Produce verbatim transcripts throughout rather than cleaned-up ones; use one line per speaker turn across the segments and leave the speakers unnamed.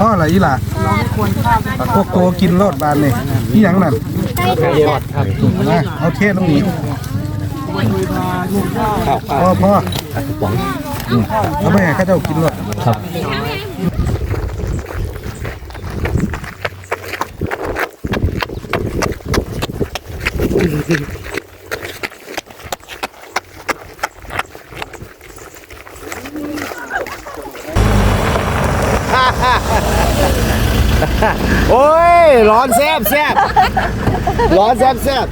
พ่ออะไรอีหล่ะโกโก้กินรสบานนี่นี่ยังนั่นนะเอาเทศตรงนี้พ่อพ่อเอาไปให้ข้าเจ้ากินรสครับ
โอ้ยร้อนแซ่บแซ่บร้อนแซ่บแซ่บ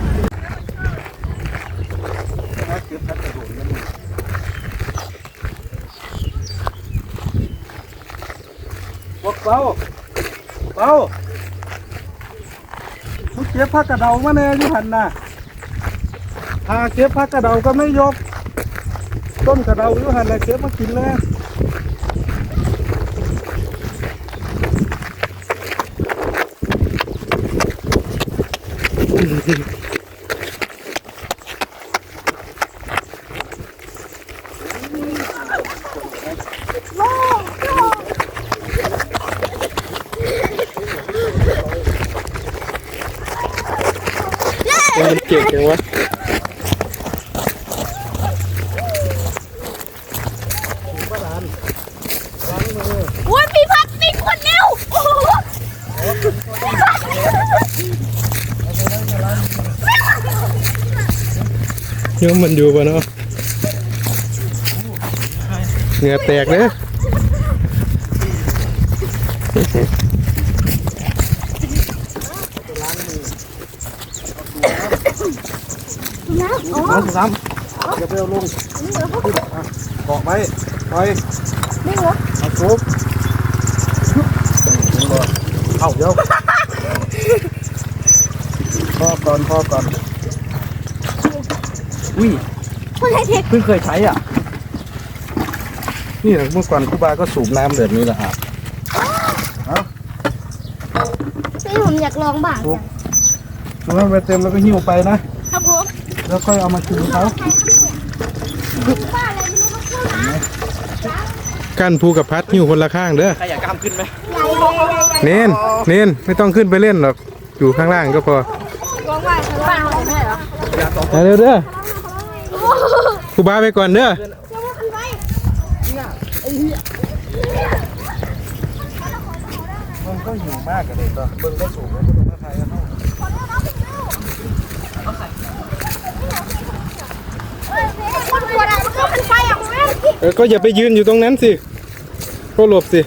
บอกเป้าเป้าเขาเก็บผักกระเดามาแน่ยี่หันน่ะหาเก็บผักกระเดาก็ไม่ยกต้นกระเดายี่หันน่ะเก็บมากินเลย
มันเก่งจังวะ
โอ้ยพี่พัดมีคนเร็ว
โยมมันอยู่ป่ะเนาะเหงื่อแตกเลย
น้ำซ้ำอย่าไปเอาลงเกาะไว้ปล่อยไม่เหรอเอาซุปเอาเดี๋ยวพ่อก่อนพ่อก่อนอุ้ยเพิ่งเคยใช้อ่ะนี่เมื่อก่อนครูบาก็สูบน้ำแบบนี้แหละครับ
พี่ผมอยากลองบ้าง
สูบสูบให้ไปเต็มแล้วก็หิ้วไปนะครับผมแล้วค่อยเอามาคืนเขา
กั้นภูกับพัดหิ้วคนละข้างเด้อใครอยากกล้ามขึ้นไหมเน้นเน้นไม่ต้องขึ้นไปเล่นหรอกอยู่ข้างล่างก็พอเร็วเด้อครูบาไปก่อนเด้อ
มันก็หิวมากกันเลยต่อเบิ้งได้สูงแล้วก็ต้องมาถ่ายกันเท่า
เออก็อย่าไปยืนอยู่ตรงนั้นสิก็หลบสิ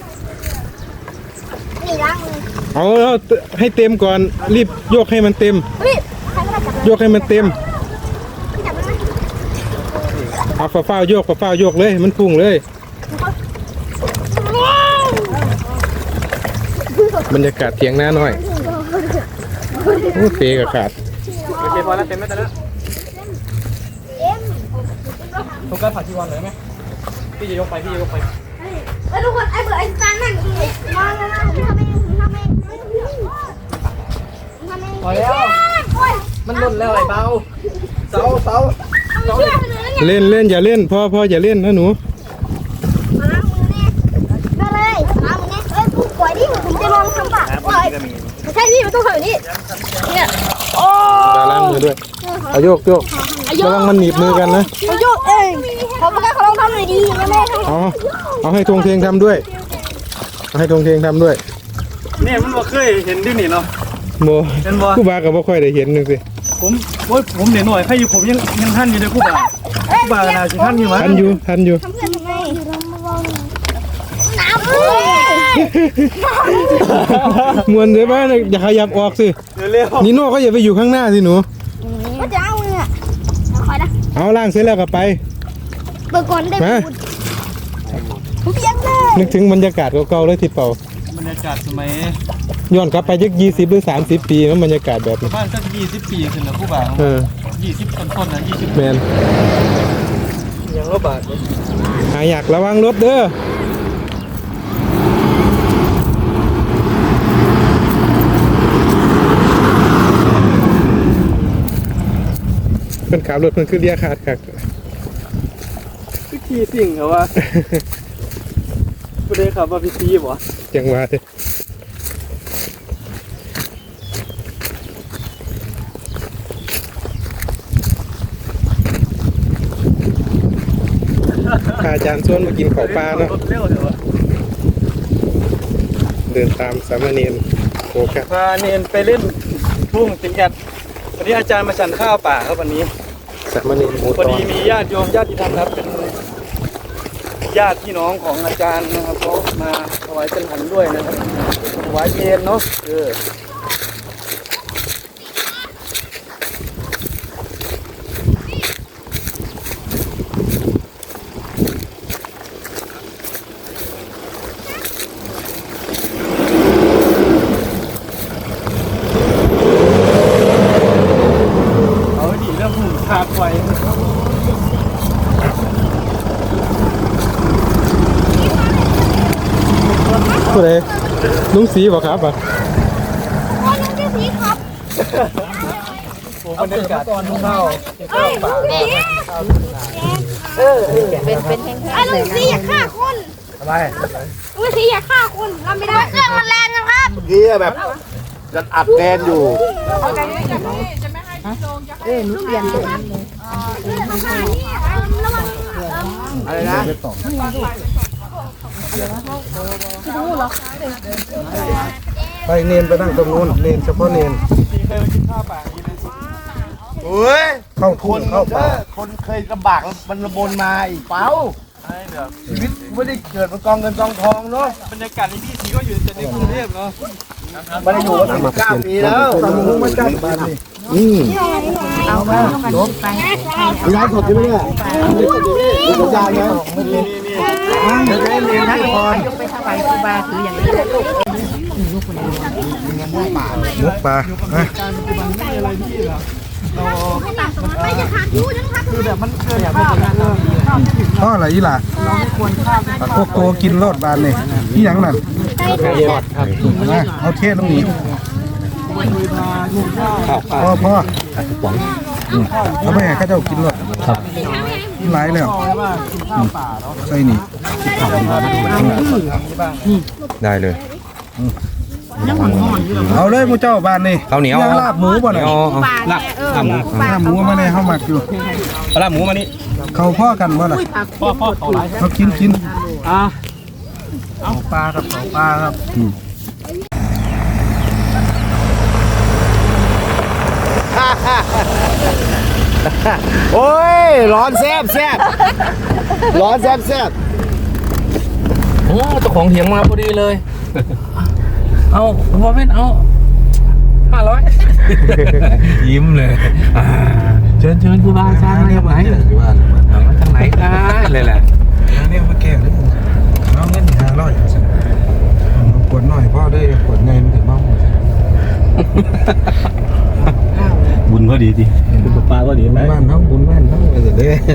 เอาเอาให้เต็มก่อนรีบโยกให้มันเต็มโยกให้มันเต็มเอาฝ่าฝ้าโยกฝ่าฝ้าโยกเลยมันพุ่งเลยบรรยากาศเถียงหน้าหน่อยโอ้เฟกับขาด
โอเคพอแล้วเต็มแล้วแต่ละทุกการผ่าที่วันเลยไหมพี่จะยกไปพี่จะยกไป
ไอ้ทุกคนไอ้เบื่อไอ้ตานั่งมาแล้วนะผมทำเองผมทำเองทำเอง
พอแล้วมันล่นแล้วไอ้เบาเสาเสา
เล่นเล่นอย่าเล่นพ่อพ่ออย่าเล่นนะหนู
มาเลยมามึงเนี่ยเอ้ยปล่อยดิผมจะลองทำป่ะปล่อยไม่ใช่พี่มันต้องทำแบบนี้เนี่ยโอ้
ตาล้างมือด้วยเอาโยกโยกระวังมันหนีบมือกันนะ
เอาโยกเองเขาไม่ได้เขาลองทำหน่อยดีนะแม่
เอาเอาให้ทงเทงทำด้วยเอาให้ทงเทงทำด้วย
เนี่ยมันบ่เคยเห็นดินี่เนาะ
โมผู้บากับบ่ค่อยได้เห็นนึงสิ
ผมโอ้ยผมเดี๋ยวหน่อยใครอยู่ผมยังยังท่านอยู่ในผู้บ่าผู้บ่าน่าจะท่านอยู่มั้ย
ท่านอยู่ท่านอยู่
ทำเพื่อนทำไมน้
ำมวนเลยบ้านอย่าขยับออกสินี่โน่ก็อย่าไปอยู่ข้างหน้าสิหนู
ก็จะเอาเนี่ยคอยนะ
เอาล่างเสร็จแล้วก็ไป
เปิดก่อนได้ไหมผมยังเลย
นึกถึงบรรยากาศเก่าๆเลยที่เป่า
บรรยากาศสมัย
ย้อนกลับไปยักยี่สิบหรือสามสิบปีแล้วบรรยากาศแบบนี้
บ้านสักยี่สิบปีขึ้นแล้วผู้บ่าวยี่สิบต้นๆนะยี่สิบ
แมน
ยังรถบาท
หาอยากระวังรถเด้อเพิ่นขับรถเพิ่นขึ้นเรียกขาดขัด
ขี่สิ่งเหรอวะคุณได้ครับว่าพี่ซีบ่
จังหวะเด้พาอาจารย์ชวนมากินข้าวปลาเนาะ
รถเร็วเดี๋ยว
เดินตามสามเณรโฟกัส
พาเนนไปเล่นทุ่งติงแอดวันนี้อาจารย์มาฉันข้าวป่าครับวันนี้
สามเณรหมู
พอ
ตอ
ดี
น
มีญาติโยมญาติธรรมครับเป็นญาติพี่น้องของอาจารย์นะครับเขามาถวายเป็นหันด้วยนะครับถวายเพลเนาะเออเอาดีเรื่องหุ่นขาดไฟ
ผู้ใดลุงสีบ่ครับอ่ะ
อ๋อลุงเจ้าสีครับ
โอ้บรรยากาศทุ่งข้าว
เอ้ยลุงสีเออเป็นเป็นแห้งๆไอ้ลุงสีอยากฆ่าคน
อะไร
ลุงสีอยากฆ่าคนทำไม่ได้เครื่องมันแรงนะครับ
เมื่อกี้แบบจะอัดแดนอยู่
เอ้ยลุงเปลี่ยนตัวนี้เลยระวัง
อะไรนะ
ไปเนนไปนั่งตรงนู้นเนนเฉพาะเนน
มีเคยมากินข้าวป่าอย่างนี้ไหม
เฮ้ย
เข้า
ค
ทุ่ง
น
เข้า
เอ
ป่า
อคนเคยลำบากแล้วมันระบนมาอีกเปล่า
ใช่แบบ
ชีวิตไม่ได้เกิดมากองเงินกองทองเนาะ
บรรยากาศในพี่สีก็อยู่แต่ในกรุงเทพเนาะ
ไม่ได้อยู่มาสิบเก้าปีแล้ว
ตามมุ้งมาจัดบ้านนี่
อืมเอามาจบไปย้ายสดใช่ไหมเนี่ยมีสัญญาณไหมไม่มีเดี๋ยวจะให้เรียนนักพร
มุกปลาฮะ
ไม่จะขาดยูนะครับ
คือแบบมันเกินแบบเป็นงานเรา
พ่ออะไรอีหล่ะพวกโกกินรอดบ้านนี่นี่หยังนั่น
ทอดครับ
นะเอาเทศตรงนี้พ่อพ่อเอาไปให้ข้าเจ้ากินรอดครับหลายแล้วใส่นี่
ได้เลย
เอาเลยมูเจ้าบ้านนี่
ข้าวเหนียว
ยังลาบหมูบ่เนี่ย
เอาลาบลาบหมู
ลาบหมูมาเนี่ยเฮามักอยู่
เอาลาบหมูมานี่
เขาพ่อกันบ่ล่ะ
พ่อพ่อเขาไลฟ์
เขากินกิน
อ่ะ
เอาปลาครับเอาปลาครับ
โอ้ยร้อนแซ่บแซ่บร้อนแซ่บแซ่บ
โอ้เจ้าของเถียงมาพอดีเลย เอาพอเป็นเอาห้าร้อย ยิ้มเลยอ่าเชิญเชิญครูบาอาจารย์มาจากไหนเอามาจากไหนกันเลยแหละ
เนี่ยมาแก้เลยเอาเงินห้าร้อยขวดหน่อยพ่อได้ขวดในมันถึงเมา
บุญก็ดีดิบุญปลาก็ดีไหม
บ้านเขาบุญบ้านเขาไปเสร็จเลย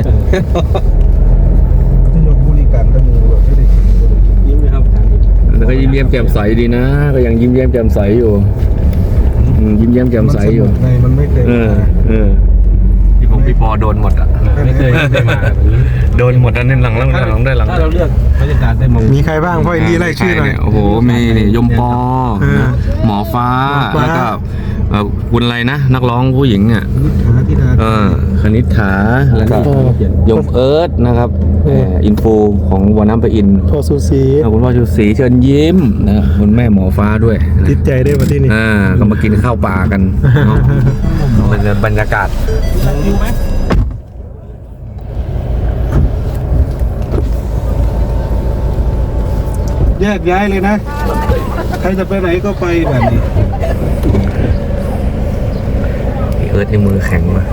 จะยกบริการตั้งมือแบบไม่ได้กินไม่ได้กิน
ยิ้มไหมครับอาจารย์
แล้วก็ยิ้มแย้มแจ่มใสดีนะ ก็ยังยิ้มแย้มแจ่มใสอยู่อืมยิ้มแย้มแจ่มใสอยู่
ในมันไม่เคย
เออเออพี่พงพี่ปอโดนหมดอ่ะ
ไม่เคยไม่เคยมาแบบนี้
โดนหมดอันนี้หลังหลังหลังได้หลัง
ถ้าเราเลือกบรรยากาศได้มอง
มีใครบ้างพ่ออินดี้ไล่ชื่อหน่อย
โอ้โหมีนี่ยมปอ
เออ
นะหมอฟ้า
หมอฟ้า
แล้วก็เอ่อคุณอะไรนะ นักร้องผู้หญิงเนี่ย
นิถาที่นา
เออคณิษฐาแล้วก็ยมเอิร์ธนะครับเอ่ออินฟูของวันน้ำไปอิน
พ่อซูซี
แล้วคุณพ่อชูศรีเชิญยิ้มนะคุณแม่หมอฟ้าด้วยนะ
ติดใจได้มาที่นี่
อ่าก็มากินข้าวป่ากันเนาะมันจะบรรยากาศ
แยกย้ายเลยนะ ใครจะไปไหนก็ไปแบบนี้
เอิร์ธในมือแข็งมา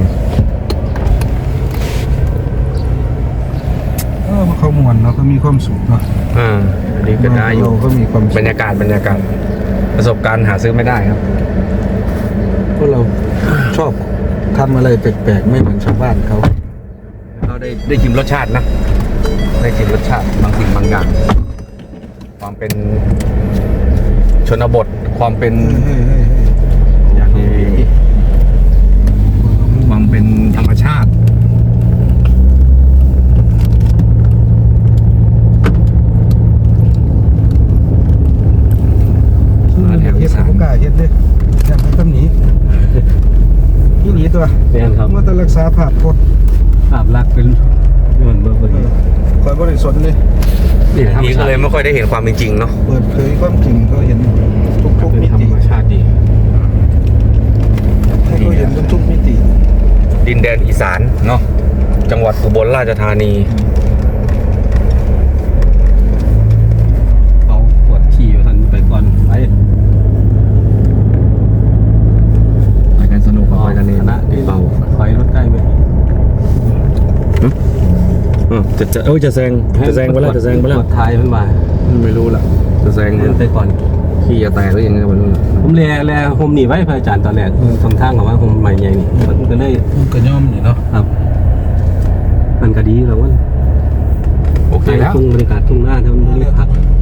เออมันเขามวนเนาะเขามีความสุขเนาะ
อ่าอันนี้ก็ได้อยู่
เราก็มีความสุ
บ
ข
รรยากาศบรรยากาศประสบการณ์หาซื้อไม่ได้ครับ
พวกเราชอบทำอะไรแปลกๆไม่เหมือนชาวบ้านเขา
เราได้ได้ชิมรสชาตินะ ได้ชิมรสชาติบางสิ่งบางอย่าง ความเป็นชนบทความเป็น
เฮ้ยเฮ้ยเฮ้ย
อย่างนี้ความเป็นธรรมชาติ
โ
แม่นครับ
เมื่อแต่รักษาภาพพจน์
ภาพลักษณ์เป็นเหมือนเบอร์เบอร์
คอยบริสุทธิ์เลย
นี่แหละ
ทีก็เลยไม่ค่อยได้เห็นความเป็นจริงเนาะ
เปิดเผยความจริงก็เห็นทุก
เป็น
ๆมิ
ธร
ติ
รมชาติดี
ให้เขาเห็นทุกๆมิติ
ดินแดนอีสานเนาะจังหวัดอุบลราชธานี
เขาปวดขี่อยู่ทันไปก่อนไป
ไปกันสนุกไปกันเอง
คณะ
เบา
ถอยรถได้ไหม
จะจะเอ้ยจะแซงจะแซงไปแล้วจะแซงไปแล้ว
ปวดท้ายมันมา
ไม่รู้ละจะแซง
เดินไปก่อน
ขี้จะแตกหรือยังไงไม่รู้
ผมแลแลโฮมหนีไว้พระอาจารย์ตอนแรกสองทางกับว่าโฮมใหม่ใหญ่นี่มันก็เลย
ก็ย่อมนี่เนาะ
ครับ มันก็ดีแล้วว่า
โอเคแล้ว
ทุ่งบรรยากาศทุ่งหน้าทำบรรยากาศ